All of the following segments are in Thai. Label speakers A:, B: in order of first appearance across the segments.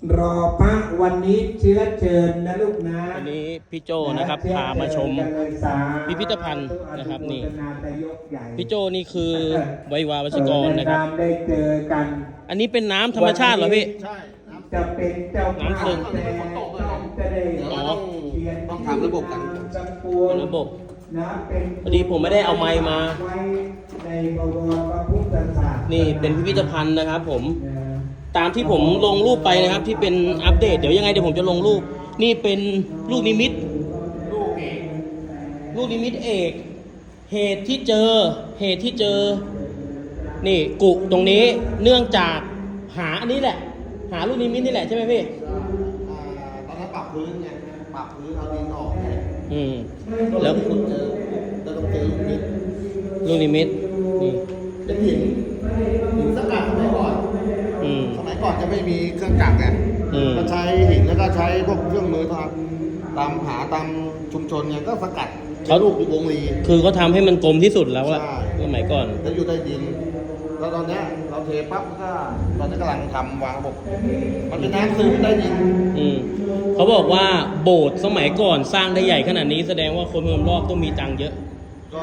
A: รอพระวันนี้เชื้อเชิญนะลูกนะ
B: วันนี้พี่โจนะครับพามาชมพิพิธภัณฑ์นะครับนี่พี่โจนี่คือไวยวาวัชกรนะครับ
A: ได้เจอกัน
B: อันนี้เป็นน้ำธรรมชาติเหรอพี่
C: ใช่
A: จะเป็นเจ้าภาพแต่จะได้
C: ต้องทำระบบกัน
B: ระบบพอดีผมไม่ได้เอาไมค์มานี่เป็นพิพิธภัณฑ์นะครับผมตามที่ผมลงรูปไปนะครับที่เป็นอัปเดตเดี๋ยวยังไงเดี๋ยวผมจะลงรูปนี่เป็นลูกนิมิตเอกเหตุที่เจอนี่กุตรงนี้เนื่องจากหาอันนี้แหละหาลูกนิมิตนี่แหละใช่ไหมพี่
C: ตอนนั้นปรับพื้นไงปรับพื้นเอาดินออกไง
B: แล้ว
C: คุณเจอแล้วต้องเจอ
B: ลูกนิมิตนี่
C: เป็นหินสกัดสมัยก่อนจะไม่มีเครื่องจักรไงก็ใช้หินแล้วก็ใช้พวกเครื่องมือตามหาตามชุมชนไงก็สกัดเขาลูกวงรี
B: คือเขาทำให้มันกลมที่สุดแล้วอะสมัยก่อน
C: แล้วอยู่ใต้ดินแล้วตอนนี้เราเทปั๊บก็ตอนนี้กำลังทำวางระบบมันเป็นน้ำซึมใต้ดิน
B: เขาบอกว่าโบสถ์สมัยก่อนสร้างได้ใหญ่ขนาดนี้แสดงว่าคนเมืองรอบต้องมีตังค์เยอะ
C: ก็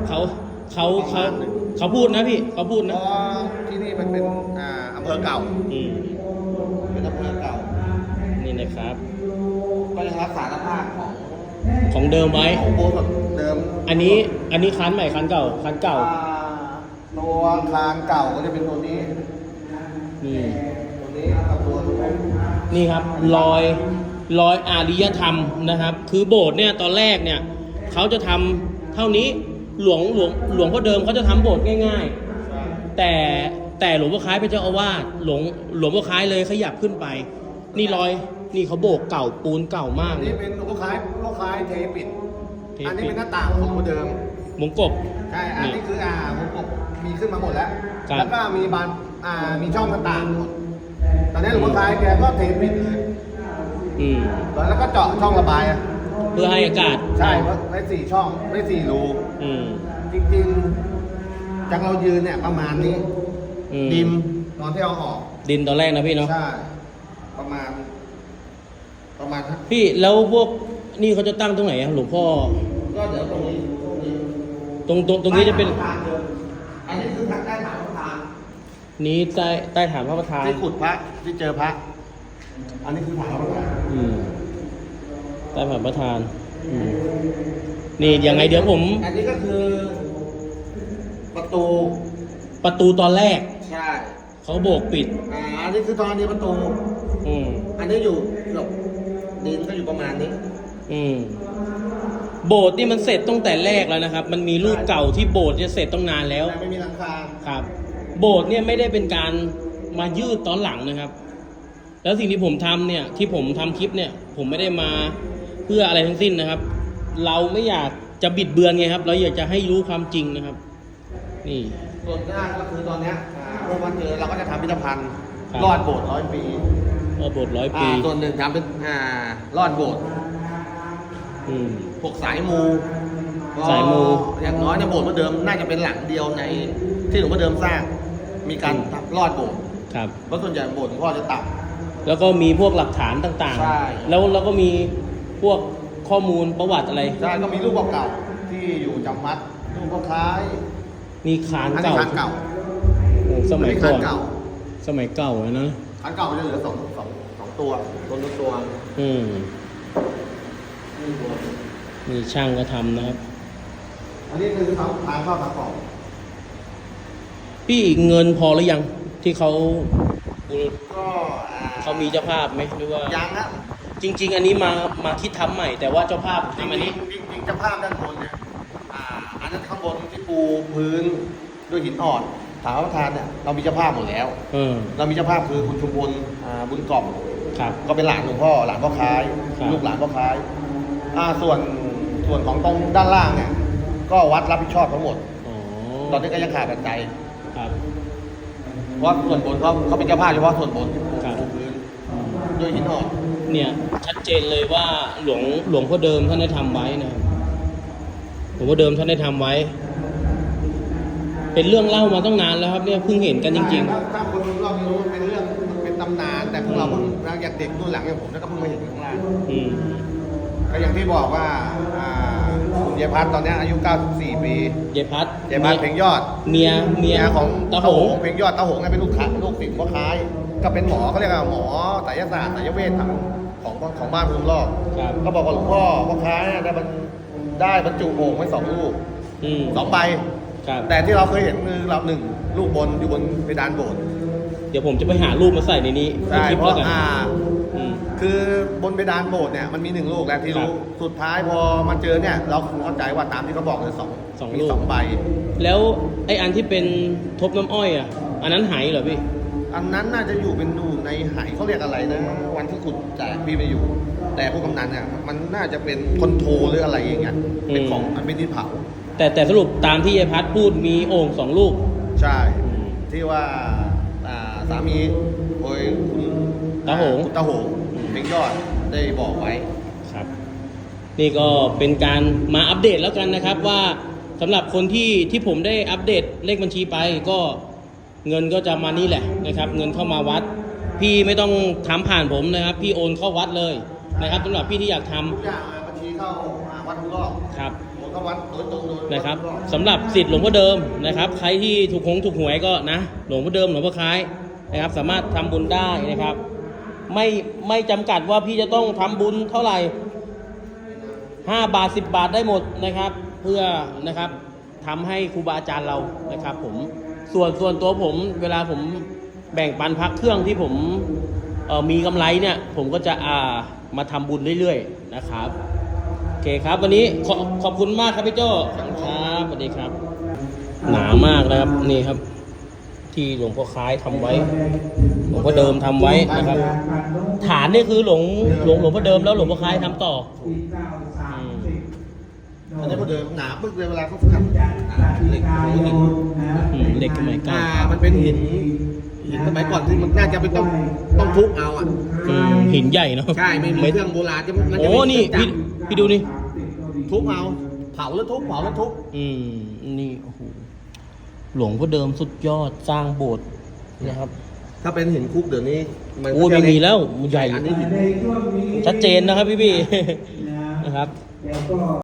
B: เขาพูดนะพี่เขาพูดนะ
C: ที่นี่มันเป็นอำเภอเก่าเป็นอำเภอเก่า
B: นี่นะครับ
C: ก็ยังรักษาสภาพ
B: ของเดิมไว้
C: ของโบสถ์เดิม
B: อันนี้คันใหม่คันเก่า
C: ตัวคานเก่าก็จะเป็นตัวนี้ตัวนี้กับตัว
B: นี่ครับรอยอารยธรรมนะครับคือโบสถ์เนี่ยตอนแรกเนี่ยเขาจะทำเท่านี้หลวงพ่อเดิมเขาจะทำโบสถ์ง่ายๆแต่หลวงพ่อคล้ายเป็นเจ้าอาวาสหลวงพ่อคล้ายเลยขยับขึ้นไปนี่นี่เขาโบกเก่าปูนเก่ามาก
C: นี่เป็นหลวงพ่อคล้ายเทปิดอันนี้เป็นหน้าต่างของพ่อเดิม
B: มงกบ
C: ใช่อันนี้คือมงกบมีขึ้นมาหมดแล้วแล้วก็มีบานมีช่องหน้าต่างหมดตอนนี้หลวงพ่อคล้ายแกก็เทปิดเลยแล้วก็เจาะช่องระบาย
B: เพื่อให้อากาศ
C: ใช่ไว้4 ช่องไว้4 รูจริงๆจากเรายืนเนี่ยประมาณนี้ดินตอนที่เอาออก
B: ดินตอนแรกนะพี่เนาะ
C: ใช่ประมาณ
B: พี่แล้วพวกนี่เขาจะตั้งตรงไหนอะหลวงพ่อ
C: ก็เดี๋ยวตรงนี้
B: ตรงนี้จะเป็น
C: อันนี้คือใต้ฐานพระประธาน
B: นี้ใต้ฐานพระประธาน
C: ที่ขุดพระที่เจอพระอันนี้คือฐานพระประธาน
B: ใต้ฐานพระประธานนี่ยังไงเดี๋ยวผม
C: อันนี้ก็คือประตู
B: ตอนแรก
C: ใช่
B: เขาโบกปิด
C: อันนี้คือตอนนี้ประตูอันนี้อยู่หลบดินก็อยู่ประมาณนี้
B: โบสถ์นี่มันเสร็จตั้งแต่แรกแล้วนะครับมันมีรูปเก่าที่โบสถ์จะเสร็จตั้งนานแล้ว
C: ไม่มีหลังคา
B: ครับโบสถ์เนี่ยไม่ได้เป็นการมายืดตอนหลังนะครับแล้วสิ่งที่ผมทำเนี่ยที่ผมทำคลิปเนี่ยผมไม่ได้มาเพื่ออะไรทั้งสิ้นนะครับเราไม่อยากจะบิดเบือนไงครับเราอยากจะให้รู้ความจริงนะครับนี่
C: ส่วนหน้าก็คือตอนนี้เมื่อวันเจอเราก็จะทำพิพิธภัณฑ์รอดโบสถ์100 ปี
B: โบสถ์100 ปี
C: ส่วนหนึ่งทำเป็นรอดโบสถ์พวกสายมูอย่างน้อยในโบสถ์พระเดิมน่าจะเป็นหลังเดียวในที่หลวงพ่อเดิมสร้างมีการรอดโบสถ์
B: ครับ
C: เพราะส่วนใหญ่โบสถ์พ่อจะต่
B: ำแล้วก็มีพวกหลักฐานต่างๆแล้วก็มีพวกข้อมูลประวัติอะไร
C: ใช่ก็มีรูปเก่าๆที่อยู่จำวัดรูปพ่อคล้าย
B: มีคานเก่าสมัยก่อนสมัยเก่านะ
C: คานเก่าจะเหลือ2 ตัว
B: มีช่างก็ทำนะครับ
C: อันนี้คือทางเข้าทางออก
B: พี่เงินพอหรือยังที่เขามีเจ้าภาพไหมหรือว่า
C: ยังนะ
B: จริงๆอันนี้มาคิดทำใหม่แต่ว่าเจ้าภาพทำอันนี้
C: จริงเจ้าภาพด้านบนเนี่ยอันนั้นข้างบนที่ปูพื้นด้วยหินอ่อนฐานพระประธานเนี่ยเรามีเจ้าภาพหมดแล้วเรามีเจ้าภาพคือคุณชุมพลบุญกล่อมก็เป็นหลานหลวงพ่อหลานพ่อคล้ายลูกหลานพ่อคล้ายส่วนของตรงด้านล่างเนี่ยก็วัดรับผิดชอบทั้งหมดตอนนี้ก็ยังขาดปัจจัยเพราะส่วนบนเขาเป็นเจ้าภาพเฉพาะส่วนบนที่ปูพื้นด้วยหินอ่อน
B: เนี่ยชัดเจนเลยว่าหลวงพ่อเดิมท่านได้ทำไว้นะหลวงพ่อเดิมท่านได้ทำไว้เป็นเรื่องเล่ามาตั้งนานแล้วครับเนี่ยเพิ่งเห็นกันจริง
C: ๆถ้าคนเราไม่รู้เป็นเรื่องเป็นตำนานแต่แต่ของเราเพิ่งอย่างเด็กรุ่นหลังอย่างผมก็เพิ่งมาเห็นข้างล่าง
B: อืม
C: ก็อย่างที่บอกว่าคุณยายพัฒน์ตอนนี้อายุ 94 ปี
B: เยพัด
C: ยายพัฒน์เพลงยอด
B: เมีย
C: ของ
B: ตาโหง
C: เพลงยอดตาโหงเป็นลูกศิษย์พ่อค้ายก็เป็นหมอเขาเรียกว่าหมอไสยศาสตร์ไสยเวชของบ้านภูมิรอบ
B: ครับ
C: ก็บอกว่าหลวงพ่อค้ายเนี่ยได้บรรจุโอ่งไว้2 ลูก
B: อืม
C: 2 ใบ
B: ครับ
C: แต่ที่เราเคยเห็นคือเรา1 ลูกบนอยู่บนเพดานโบสถ์
B: เดี๋ยวผมจะไปหารูปมาใส่ในนี้ใน
C: ใช่
B: คลิป
C: เพ
B: แล้ว
C: ราะ
B: กันอืม
C: คือบนเพดานโบสถ์เนี่ยมันมี 1 ลูกแล้วที่รู้
B: ครับ
C: สุดท้ายพอมาเจอเนี่ยเราเข้าใจว่าตามที่เขาบอกเลย
B: สอง
C: มี
B: ลูก
C: 2 ใบ
B: แล้วไอ้อันที่เป็นทบน้ำอ้อยอ่ะ อันนั้นหายเหรอพี่
C: อันนั้นน่าจะอยู่ในไหเขาเรียกอะไรนะวันที่ขุดแจกพี่ไปอยู่ แต่พวกกำนันเนี่ยมันน่าจะเป็นคอนโทรหรืออะไรอย่างเงี้ยเป็นของมันเป็นดินเผา
B: แต่สรุปตามที่ยายพัดพูดมีโอ่ง2 ลูก
C: ใช่ ที่ว่าสามีโดยคุณ
B: ตาโหง
C: คุณตาโหงเพลงยอดได้บอกไว้
B: ครับ นี่ก็เป็นการมาอัปเดตแล้วกันนะครับว่าสำหรับคนที่ผมได้อัปเดตเลขบัญชีไปก็เงินก็จะมานี่แหละนะครับ เงินเข้ามาวัด พี่ไม่ต้องทำผ่านผมนะครับ พี่โอนเข้าวัดเลยนะครับสำหรับพี่ที่อยากทำ
C: ทุกอย่างบัญชีเข้าวัดทุกรอบ
B: ครับ
C: ผมก็วัดโดยตรงโดย
B: นะครับ
C: วัดทุกอบ
B: สำหรับสิทธิ์หลวงพ่อเดิมนะครับ ใครที่ถูกหวยก็นะหลวงพ่อเดิมหลวงพ่อคล้ายนะครับ สามารถทำบุญได้นะครับ ไม่จำกัดว่าพี่จะต้องทำบุญเท่าไหร่5 บาท 10 บาทได้หมดนะครับ เพื่อนะครับทำให้ครูบาอาจารย์เรานะครับ ผมส่วนตัวผมเวลาผมแบ่งปันพักเครื่องที่ผมมีกำไรเนี่ย ผมก็จะมาทำบุญเรื่อยๆนะครับโอเคครับ วันนี้ขอบคุณมากครับพี่โจ้ขอบคุณครับสวัสดีครับ หนามากนะครับนี่ครับ ที่หลวงพ่อคล้ายทำไว้ หลวงพ่อเดิมทำไว้นะครับ ฐานนี่คือหลวงพ่อเดิมแล้วหลวงพ่อคล้ายทำต่อ
C: อันนี้พอเดิมหนาปึ๊กเลยเวลาเขาทำเหล็กหิน
B: เหล็กสมัยก่อน
C: มันเป็นหินสมัยก่อนที่มันน่าจะเป็นต้องทุบเอาอ่ะ
B: หินใหญ่เนาะ
C: ใช่ไม่มีเครื่องโบราณจะมันจะ
B: โอ้นี่พี่ดูนี่
C: ทุบเอาเผาแล้วทุบเผาแล้วทุบ
B: นี่โอ้โหหลวงพ่อเดิมสุดยอดสร้างโบสถ์นะครับ
C: ถ้าเป็นหินคุกเดี๋ยวนี้มัน
B: โอ้ไม่มีแล้วใหญ่
C: อันนี้หิน
B: ชัดเจนนะครับพี่นะครับ